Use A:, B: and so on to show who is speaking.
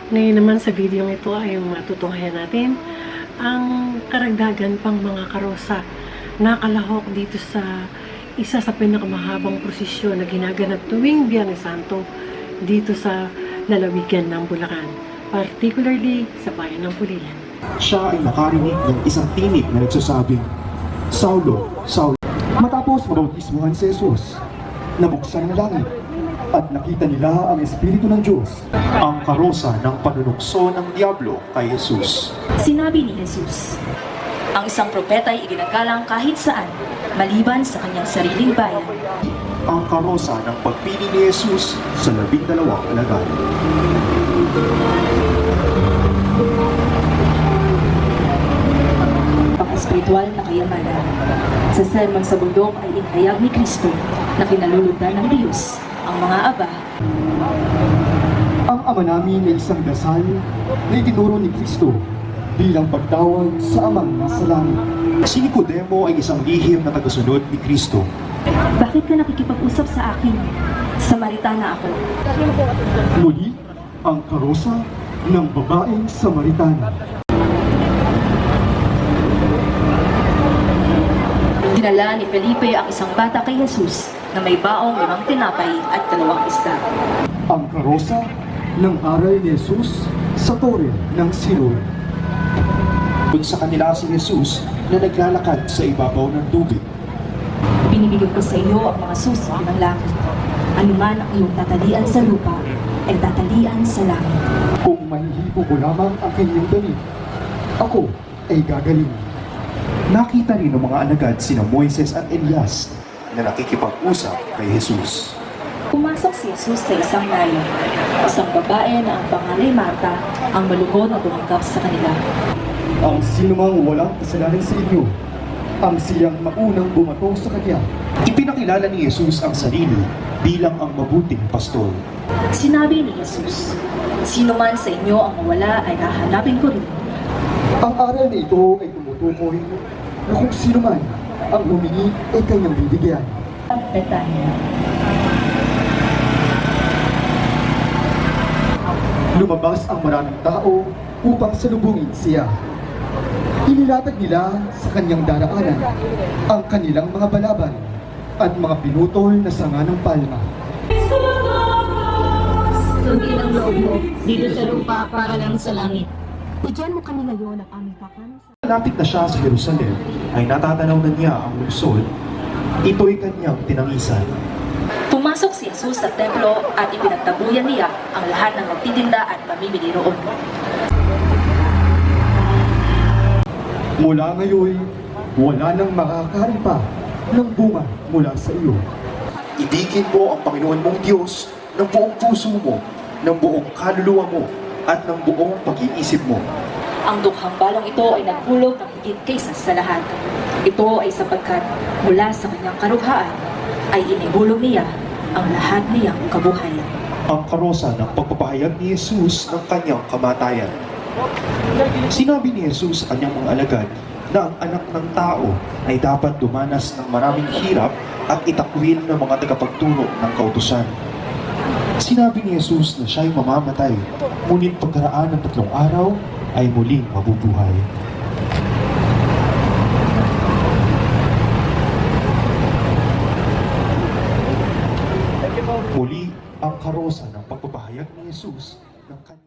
A: Ngayon naman sa video ito ay matutunghayan natin ang karagdagan pang mga karosa na kalahok dito sa isa sa pinakamahabang prosesyon na ginaganap tuwing Biyernes Santo dito sa lalawigan ng Bulacan, particularly sa bayan ng Pulilan.
B: Siya ay nakarinig ng isang tinig na nagsasabing, "Saulo, Saulo." Matapos mabautismuhan si Jesus, nabuksan ang langit at nakita nila ang Espiritu ng Diyos, ang karosa ng panunukso ng Diablo kay Jesus.
C: Sinabi ni Jesus, ang isang propeta ay iginagalang kahit saan, maliban sa kanyang sariling bayan.
B: Ang karosa ng pagpili ni Jesus sa 12 alagad.
C: Ang espiritual na kayamanan. Sa sermon sa bundok ay inihayag ni Kristo na kinalulugdan ng Diyos ang mga aba.
D: Ang Ama namin ay isang dasal na itinuro ni Kristo bilang pagtawag sa Amang nasa langit.
B: Si Nicodemo ay isang lihim na tagasunod ni Kristo.
C: Bakit ka nakikipag-usap sa akin? Samaritana ako.
D: Muli, ang karosa ng babaeng Samaritana.
C: Dinala ni Felipe ang isang bata kay Jesus na may baong 5 tinapay at 2 isda.
D: Ang karosa ng aral ni Jesus sa tore ng Siloe.
B: Doon sa kanila si Jesus na naglalakad sa ibabaw ng tubig.
C: Binibigay ko sa iyo ang mga susi ng langit. Anuman ang iyong tatalian sa lupa, ay tatalian sa langit.
D: Kung mahihipo ko lamang ang kanyang damit, ako ay gagaling.
B: Nakita rin ng mga alagad sina Moises at Elias na nakikipag-usap kay Jesus.
C: Pumasok si Jesus sa isang nayo. Isang babae na ang pangalan ay Marta, ang malugod na tumanggap sa kanila.
D: Ang sinumang walang kasalanan sa inyo, ang siyang maunang bumato sa kanya.
B: Ipinakilala ni Jesus ang sarili bilang ang mabuting pastor.
C: Sinabi ni Jesus, sino man sa inyo ang mawala ay hahanapin ko rin.
D: Ang aral na ito ay tumutukoy na kung sino man ang humingi ay kanyang bibigyan.
C: Betania.
D: Lumabas ang maraming tao upang salubungin siya. Inilatag nila sa kanyang daraanan ang kanilang mga balaban at mga pinutol na sanga ng palma.
E: Sundin ang loob mo dito sa lupa para lang sa langit.
C: Bigyan mo kami ngayon ng aming kakanin.
B: Malapit na siya sa Jerusalem ay natatanaw na niya ang lungsod. Ito'y kanyang tinangisan.
C: Pumasok si Jesus sa templo at ipinagtabuyan niya ang lahat ng nagtitinda at mamimili roon.
D: Mula ngayon, wala nang makakain pa ng bunga mula sa iyo.
B: Ibigin mo ang Panginoon mong Diyos ng buong puso mo, ng buong kaluluwa mo, at ng buong pag-iisip mo.
C: Ang dukhang balong ito ay naghulog ng higit kaysa sa lahat. Ito ay sapagkat mula sa kanyang karughaan ay inihulog niya ang lahat niyang kabuhayan.
B: Ang karosa ng pagpapahayag ni Jesus ng kanyang kamatayan. Sinabi ni Jesus sa kanyang mga alagad na ang anak ng tao ay dapat dumanas ng maraming hirap at itakwil ng mga tagapagturo ng kautusan. Sinabi ni Jesus na siya'y mamamatay, ngunit pagkaraan ng 3 araw ay muling mabubuhay. Muli ang karosa ng pagpapahayag ni Jesus ng kanyang